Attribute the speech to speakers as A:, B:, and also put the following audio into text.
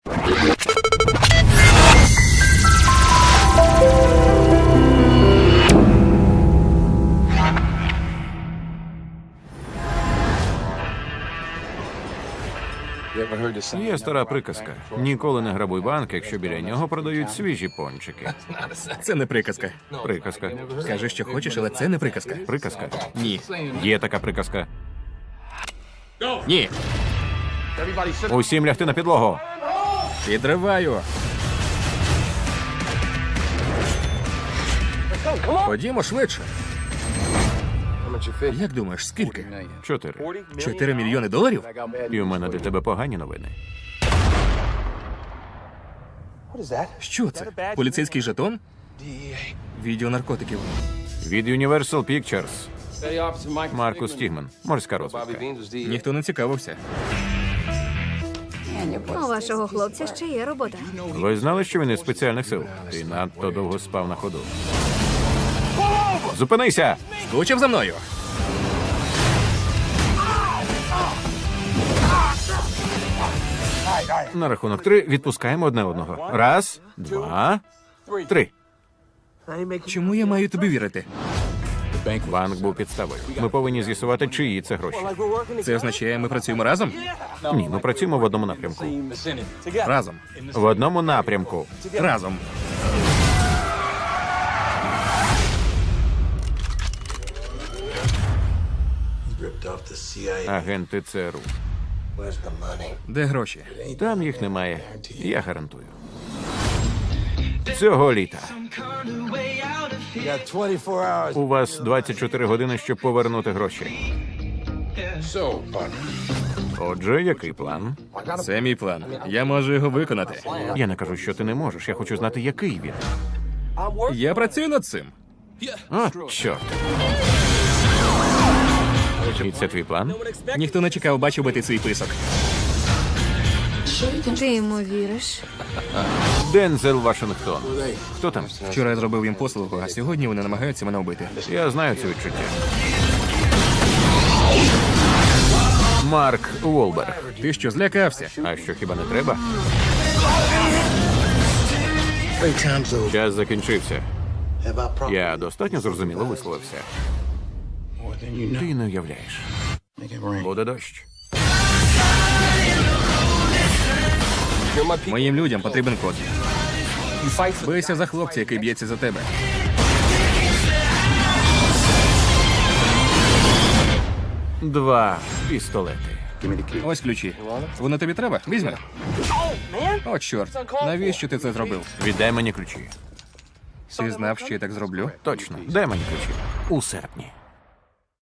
A: Є стара приказка. Ніколи не грабуй банк, якщо біля нього продають свіжі пончики.
B: Це не приказка.
A: Приказка.
B: Кажи, що хочеш, але це не приказка.
A: Приказка.
B: Ні.
A: Є така приказка.
B: Ні.
A: Усім лягти на підлогу.
B: Підриваю. Ходімо швидше. Як думаєш, скільки?
A: 4.
B: 4 мільйони доларів?
A: І у мене для тебе погані новини.
B: Що це? Поліцейський жетон? Відео наркотиків.
A: Від Universal Pictures. Маркус Стігман. Морська розвідка.
B: Ніхто не цікавився.
C: У вашого хлопця ще є робота.
A: Ви знали, що він із спеціальних сил? Ти надто довго спав на ходу. Зупинися!
B: Скучив за мною.
A: На рахунок 3 відпускаємо одне одного. 1, 2, 3.
B: Чому я маю тобі вірити?
A: Банк був підставою. Ми повинні з'ясувати, чиї це гроші.
B: Це означає, ми працюємо разом?
A: Ні, ми працюємо в одному напрямку.
B: Разом.
A: В одному напрямку.
B: Разом.
A: Агенти ЦРУ.
B: Де гроші?
A: Там їх немає. Я гарантую. Цього літа. У вас 24 години, щоб повернути гроші. Отже, який план?
B: Це мій план. Я можу його виконати.
A: Я не кажу, що ти не можеш. Я хочу знати, який він.
B: Я працюю над цим.
A: О, чорт. І це твій план?
B: Ніхто не чекав, бачив би ти свій писок.
C: Ти йому віриш?
A: Дензел Вашингтон. Хто там?
B: Вчора я зробив їм послугу, а сьогодні вони намагаються мене вбити.
A: Я знаю це відчуття. Марк Уолберг.
B: Ти що, злякався?
A: А що, хіба не треба? Час закінчився. Я достатньо зрозуміло висловився. Ти не уявляєш. Буде дощ.
B: Моїм людям потрібен код. Бийся за хлопця, який б'ється за тебе.
A: Два пістолети.
B: Ось ключі. Вони тобі треба? Візьми. О, чорт. Навіщо ти це зробив?
A: Віддай мені ключі.
B: Ти знав, що я так зроблю?
A: Точно. Дай мені ключі. У серпні.